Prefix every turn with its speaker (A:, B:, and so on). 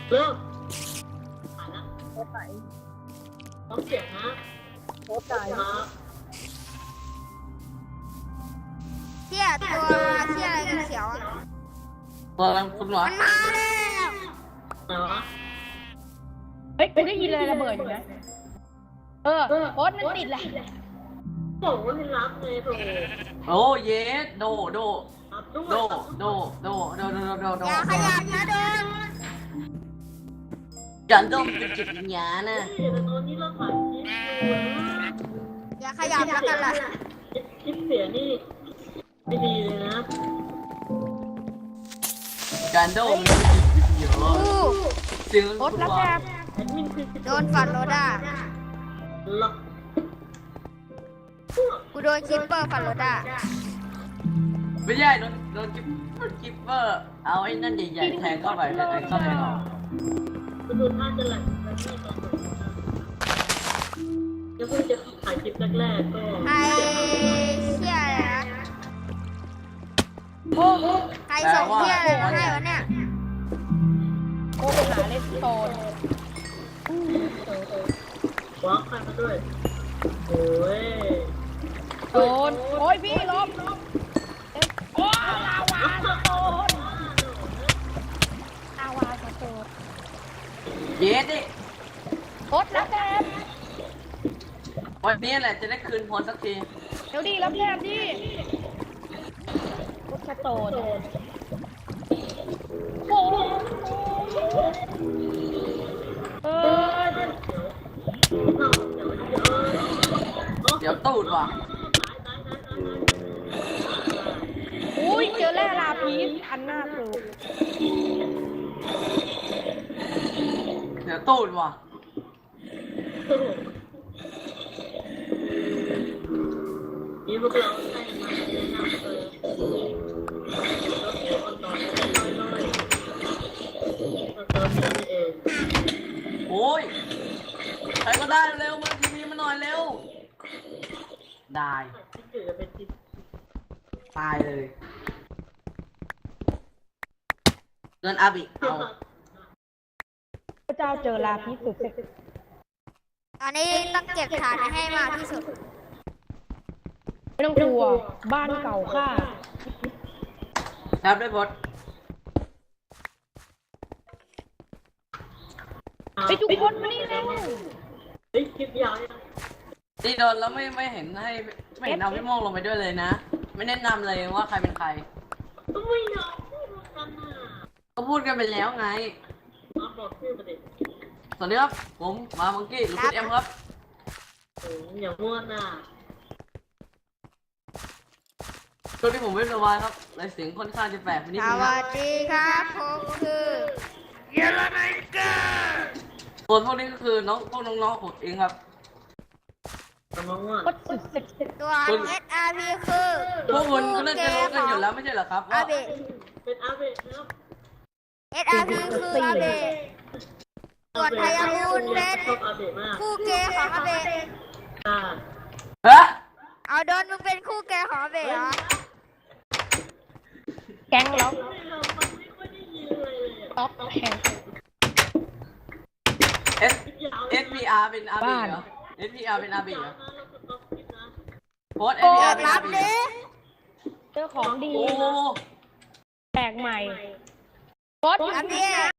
A: เริ่มผ่านนะโคตรไหนต้องเสียงนะโคตรไหนครับ
B: เที่ยตัวเที่ยอะไรเขียวอ่ะ
C: ตัวอะไรคุณหรอ
B: มันมาแล้ว
A: ไหนวะ
D: เฮ้ยกูได้ยินเลยระเบิดอยู่นะโพสต์มันติดแหละ
A: บอกว่าให้รับไงโถ
C: โอ้เยสโด
A: รับด้วย
B: อย่าขยับนะเดิน
C: การดมเป็นจิตวิญญาณนะ
A: แต่ตอนนี้เราถ่ายคลิปอยู่นะ
B: อย่าขยับแล้วกันล่ะ
A: คลิปเสียนี่ไม่ดีเลยนะ
C: การดมเป็นจิตวิญญา
B: อู้
C: ณซึ่ง
D: โพสต์แล้วแก
A: แอดมินคือ
B: โดนฟันโรด้า
A: ล็อก
B: กูโดนคิปเปอร์ฟันโรด้า
C: ไม่ใช่โดนกิปเปอร์เอาไอ้นั่นใหญ่ๆแทงเข้าไปแล้วเข้าไปหรอ
A: ก็ดูท่าจะแหลกแล้วนี่ตอนแล้วเพิ่งจะถ่ายคลิปแรกๆก็
B: ไอเที่ยอะไรนะ
D: โอ้
B: ใครส่งเที่ยอะไรมาให้วะเนี่ย
D: โอ้ไปหาเลสโตน
A: ว้าวใครมาด้วยโอ้ย
D: โดนโอ้ยพี่ลบโอ้ลาวาสโตนลาวาสโตน
C: เยสดิ
D: โพสต์แล้วแก
C: วันนี้แหละจะได้คืนพลสักที
D: เดี๋ยวดีแล้วแกดิโพสต์สโตนโอ้
C: เดี๋ยวตูดว่ะ
D: อุ้ยเจอแร่ลาพีสอันหน้าคือ
C: เดี๋ยวตูดว่ะ
A: นี่พวกเราให้มาแนะนำเลยเราเที่ยวอ่อนๆน้อยๆเราเติมนี่เอง
C: โอ้ยใครก็ได้เร็วมาทีวีมาหน่อยเร็วได้
A: ที่เกิดจะเป็นที่
C: ตายเลยเงินอาบิเอา
D: พระเจ้าเจอลาพีสสุด
B: ตอนนี้ต้องเก็บฐานให้มากที่สุด
D: ไม่ต้องกลัวบ้านเก่าข้า
C: ครับได้บด
D: ไปทุกคนมานี่แล้ว
A: เฮ้ยคลิปยาวยัง
C: ตีโดนแล้วไม่เห็นให้ไม่เห็นเอาพี่โมงลงไปด้วยเลยนะ ไม่แนะนำเลยว่าใครเป็นใคร
A: ไม่ยอมพูดกันน่ะ
C: ก็พูดกันไปแล้วไง
A: มาบอกชื่อมาดิ
C: สวัสดีครับผมมามังกี้หรือคุณเอ็มครับ
A: โอ้ยอย่ามั่วน่ะ
C: ช่วงที่ผมไม่สบายครับเลยเสียงค่อนข้างจะแปลกไปนิด
B: ส
C: นึงค
B: วั
C: รับ
B: สดีครับผมคือ
C: ส่วนพวกนี้ก็คือพวกน้องๆผมเองครับ
A: แต่มามั่ว
D: โคตรสุดเซ็กซี่
B: ตัว SRP คือ
C: พวกคุณก็น่าจะรู้กันอยู่แล้วไม่ใช่เหรอครับ
B: อา
C: ว่า
B: เบะ
A: เป็นอาเบะนะครับ
B: SRP คืออาเบะส่วนไทยามูนเป็น
A: ชอบอาเบะมาก
B: คู่เกย์ของอาเบะ
A: อ่า
C: เฮ้ย
B: เอาโดนมึงเป็นคู่เกย์ของอาเบะเหรอ
D: แก๊งล็อก
A: มันไม่ค่อยได้ยินเลยเลย
D: ท็อปแห่ง
C: เอสเอสพีอาร์เป็นอาบีเหรอเอสพีอาร์เป็นอาบีเหรอโพสเอสพีอาร์เป็น
B: รั
C: อา
B: บ
C: บี
B: ดิ
D: เจอของดี
C: โอ้
D: แปลกใหม่โพสต์
B: รับดิ